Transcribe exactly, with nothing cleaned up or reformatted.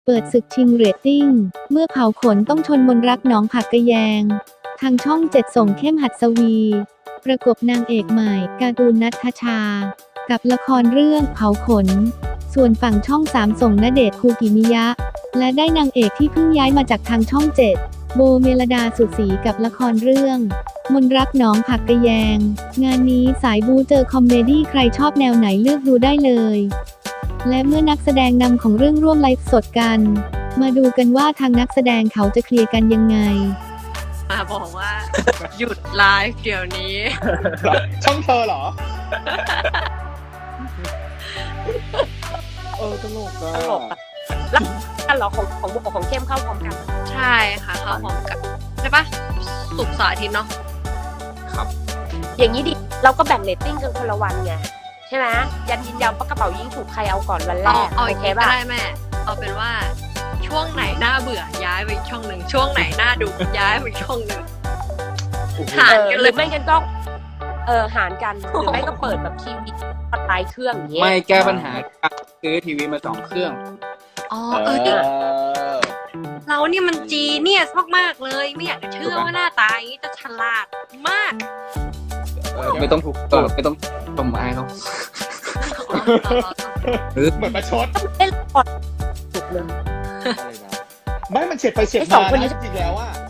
เปิดศึกชิงเรตติ้งเมื่อเผาขนต้องชนมนรักหนองผักกะแยงทางช่องเจ็ดส่งเข้มหัดสวีประกบนางเอกใหม่การ์ตูนณัฐชากับละครเรื่องเผาขนส่วนฝั่งช่องสามส่งณเดชน์คูกิมิยะและได้นางเอกที่เพิ่งย้ายมาจากทางช่องเจ็ดโบเมลดาสุดศรีกับละครเรื่องมนรักหนองผักกะแยงงานนี้สายบูเจอคอมเมดี้ใครชอบแนวไหนเลือกดูได้เลยและเมื่อนักแสดงนำของเรื่องร่วมไลฟ์สดกันมาดูกันว่าทางนักแสดงเขาจะเคลียร์กันยังไงมาบอกว่าหยุดไลฟ์เดี๋ยวนี้ช่องเธอเหรอเออตลกอะตลกอะแล้วกันเหรอของของบุกของเข้มเข้าพร้อมกันใช่ค่ะเข้าพร้อมกันใช่ปะศุกร์เสาร์อาทิตย์เนาะครับอย่างนี้ดิเราก็แบ่งเรตติ้งกันคนละวันไงใช่ไหมยันยินยาวปะกระเป๋ายิงถูกใครเอาก่อนวันแรกเอาอีกก็ได้แม่เอาเป็นว่าช่วงไหนน่าเบื่อย้ายไปช่องหนึ่งช่วงไหนน่าดูย้ายไปช่องหนึ่งหารกันเลยไม่กันก็เออหารกันหรือไม่ก็เปิดแบบทีวีปัดไลเครื่องอย่างเงี้ยไม่แก้ปัญหาซื้อทีวีมาสองเครื่องอ๋อเออเรานี่มันจีเนี่ยมากๆเลยไม่อยากจะเชื่อว่าหน้าตาอย่างนี้จะฉลาดมากไม่ต้องถูกตไม่ต้องต้มไม้เขาเหมือนประชดเล่นปอดถูกเลยไม่มันเฉียดไปเฉียดมาจริงๆแล้วอ่ะ